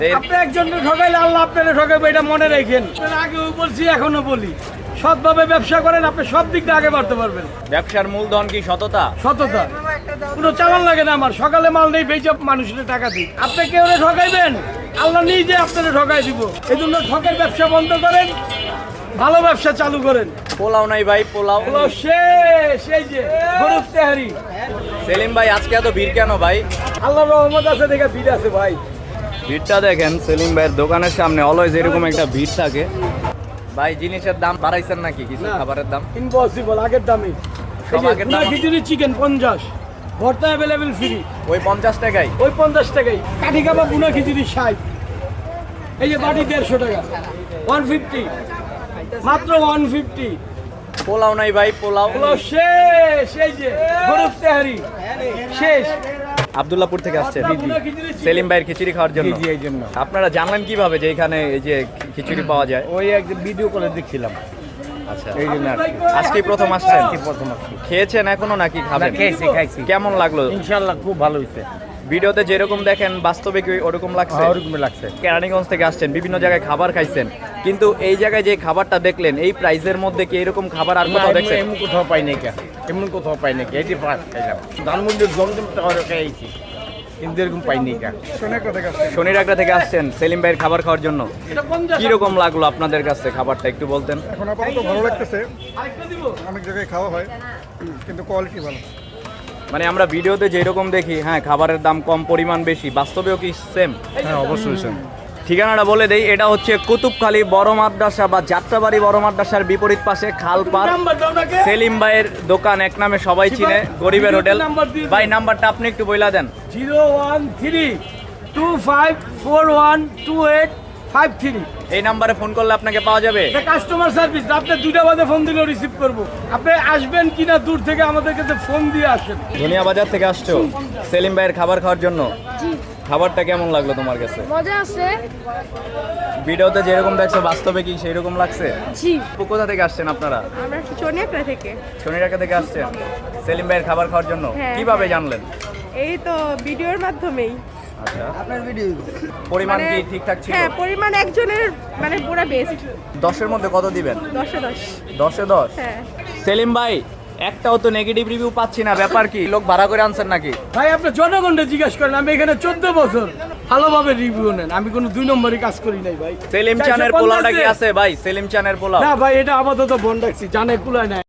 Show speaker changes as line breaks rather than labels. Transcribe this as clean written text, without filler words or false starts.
আপনি একজনকে ঠকাইলে আল্লাহ আপনারা ঠকাবে, এটা মনে রাখেন। আগেও বলছি, এখনো বলি, সৎভাবে ব্যবসা করেন, আপনি সব দিক দিয়ে আগে বাড়তে পারবেন।
ব্যবসার মূলধন কি সততা?
সততা, কোনো চালান লাগে না আমার। সকালে মাল নেই, বেচে মানুষের টাকা দিই। আপনি কেউ ঠকাইবেন, আল্লাহ নিজে আপনারা ঠকাই দিব। এই জন্য ঠকের ব্যবসা বন্ধ করেন, ভালো ব্যবসা চালু করেন।
পোলাও নাই ভাই, পোলাও
শেষ। এই যে গরুর তেহারি।
সেলিম ভাই আজকে এত ভিড় কেন ভাই?
আল্লাহর রহমত আছে দেখে ভিড় আছে ভাই।
ভিড়টা দেখেন, সেলিম ভাইয়ের দোকানের সামনে অলওয়েজ এরকম একটা ভিড় থাকে। ভাই জিনিসের দাম বাড়াইছেন নাকি কিছু? খাবারের দাম
ইম্পসিবল, আগের দামই।
সব আগের দাম।
খিচুড়ি চিকেন 50, ভর্তা অ্যাভেলেবেল ফ্রি।
ওই 50 টাকাই?
ওই 50 টাকাই। কাঠি কাবাব বুনা খিচুড়ি 60। এই যে বাটি 150 টাকা, 150, মাত্র 150।
পোলাও নাই ভাই, পোলাও
শেষ। এই যে গরুর তেহারি শেষ।
আব্দুল্লাহপুর থেকে আসছেন সেলিম ভাইয়ের খিচুড়ি খাওয়ার জন্য?
এই জন্য।
আপনারা জানলেন কিভাবে যে এখানে এই যে খিচুড়ি পাওয়া যায়?
ওই একদিন ভিডিও করে দেখছিলাম।
আচ্ছা,
এই জন্য
আজকে প্রথম আসছেন?
প্রথম আসছি।
খেয়েছেন এখনো নাকি খাবেন?
খাইছি।
কেমন লাগলো?
ইনশাআল্লাহ খুব ভালো হয়েছে।
ভিডিওতে যেরকম দেখেন বাস্তবে কি ওরকম লাগছে?
ওরকম লাগছে।
কেরানীগঞ্জ থেকে আসছেন, বিভিন্ন জায়গায় খাবার খাইছেন, কিন্তু এই জায়গায় যে খাবারটা দেখলেন এই প্রাইসের মধ্যে কি এরকম খাবার আর কোথাও দেখছেন?
এমন কোথাও পাই নাই কে, এমন কোথাও পাই নাই কে। এটি ফার্স্ট খাইলাম। ধানমন্ডির জমজম টাওয়ারে খাইছি, কিন্তু এরকম পাই নাই কে।
শনিরাগড়া থেকে আসছেন সেলিম ভাইয়ের খাবার খাওয়ার জন্য। কি রকম লাগলো আপনাদের কাছে খাবারটা একটু বলতেন?
এখন আপাতত ভালো লাগতেছে। অনেক জায়গায় খাওয়া হয়, কিন্তু কোয়ালিটি ভালো।
মানে আমরা ভিডিওতে যেরকম দেখি, হ্যাঁ খাবারের দাম কম, পরিমাণ বেশি, বাস্তবেও কি সেম?
হ্যাঁ, অবশ্যই সেম।
ঠিকানাটা বলে দেই, এটা হচ্ছে কুতুবখালী বড় মাদ্রাসা বা যাত্রাবাড়ি বড় মাদ্রাসার বিপরীত পাশে খালপাড়। সেলিম ভাইয়ের দোকান এক নামে সবাই চিনে, গরিবের হোটেল। ভাই নাম্বারটা আপনি একটু বইলা দেন।
01325412853।
এই নাম্বারে ফোন করলে আপনাকে পাওয়া যাবে।
এটা কাস্টমার সার্ভিস। আপনি 2টা বাজে ফোন দিলেও রিসিভ করবো। আপনি আসবেন কিনা দূর থেকে আমাদের কাছে ফোন দিয়ে আসেন।
ধনিয়া বাজার থেকে আসছো সেলিম ভাইয়ের খাবার খাওয়ার জন্য? খাবারটা কেমন লাগলো তোমার কাছে?
মজা আছে।
ভিডিওতে যেরকম দেখছো বাস্তবে কি সেই রকম লাগছে?
জি।
কোথা থেকে আসছেন আপনারা?
আমরা চনিয়াকড়া থেকে।
শনিরাগড়া থেকে আসছেন সেলিম ভাইয়ের খাবার খাওয়ার জন্য?
হ্যাঁ।
কিভাবে জানলেন?
এই তো ভিডিওর মাধ্যমেই।
আচ্ছা, পরিমাণ কি ঠিকঠাক ছিল?
হ্যাঁ, পরিমাণ একজনের মানে পুরো বেস্ট।
10-এর মধ্যে কত দিবেন?
10-এ 10।
10-এ 10?
হ্যাঁ।
সেলিম ভাই একটাও তো নেগেটিভ রিভিউ পাচ্ছি না, ব্যাপার কি? লোক ভাড়া করে আনছেন নাকি?
ভাই আপনি জনগণকে জিজ্ঞাসা করেন। আমি এখানে 14 বছর ভালোভাবে রিভিউ নেন। আমি কোনো 2 নম্বরই কাজ করি নাই ভাই।
সেলিম চানের পোলাওটা কি আছে ভাই? সেলিম চানের পোলাও
না ভাই, এটা আপাতত বন্ধ রাখছি, জানে কুলায় নাই।